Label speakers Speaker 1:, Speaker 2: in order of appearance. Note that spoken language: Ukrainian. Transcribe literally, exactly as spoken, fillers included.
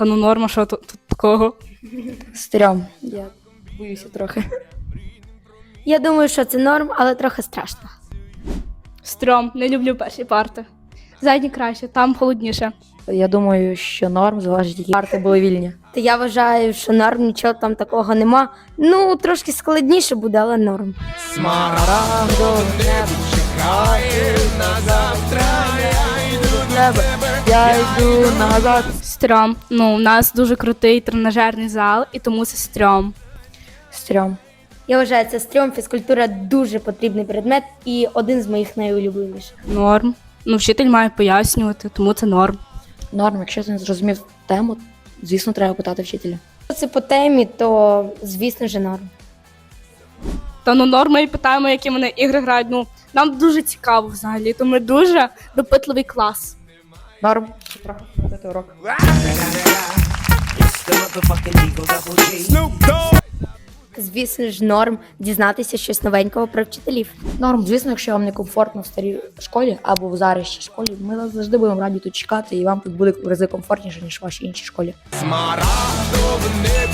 Speaker 1: Та ну норма, що тут, тут такого?
Speaker 2: Стрьом. Я боюся трохи.
Speaker 3: Я думаю, що це норм, але трохи страшно.
Speaker 1: Стрьом, не люблю перші парти. Задні краще, там холодніше.
Speaker 2: Я думаю, що норм залежить, які парти були вільні.
Speaker 3: Та я вважаю, що норм, нічого там такого нема. Ну, трошки складніше буде, але норм.
Speaker 2: Смарагдо небо чекає на завтра, я йду до тебе, я йду назад.
Speaker 1: Стрьом. Ну, у нас дуже крутий тренажерний зал, і тому це стрьом.
Speaker 2: Стрьом.
Speaker 3: Я вважаю, це стрьом, фізкультура дуже потрібний предмет і один з моїх найулюбленіших.
Speaker 1: Норм. Ну, вчитель має пояснювати, тому це норм.
Speaker 2: Норм, якщо ти не зрозумів тему, звісно, треба питати вчителя.
Speaker 3: Якщо це по темі, то, звісно ж, норм.
Speaker 1: Та ну норма і питаємо, які вони ігри грають. Ну, нам дуже цікаво взагалі, то ми дуже допитливий клас.
Speaker 2: Норм. Трохи скоротити урок.
Speaker 3: Звісно ж, норм дізнатися щось новенького про вчителів.
Speaker 2: Норм, звісно, якщо вам не комфортно в старій школі або в зарищій школі, ми вас завжди будемо раді тут чекати, і вам тут буде в рази комфортніше, ніж в вашій іншій школі.
Speaker 4: Смарагдове небо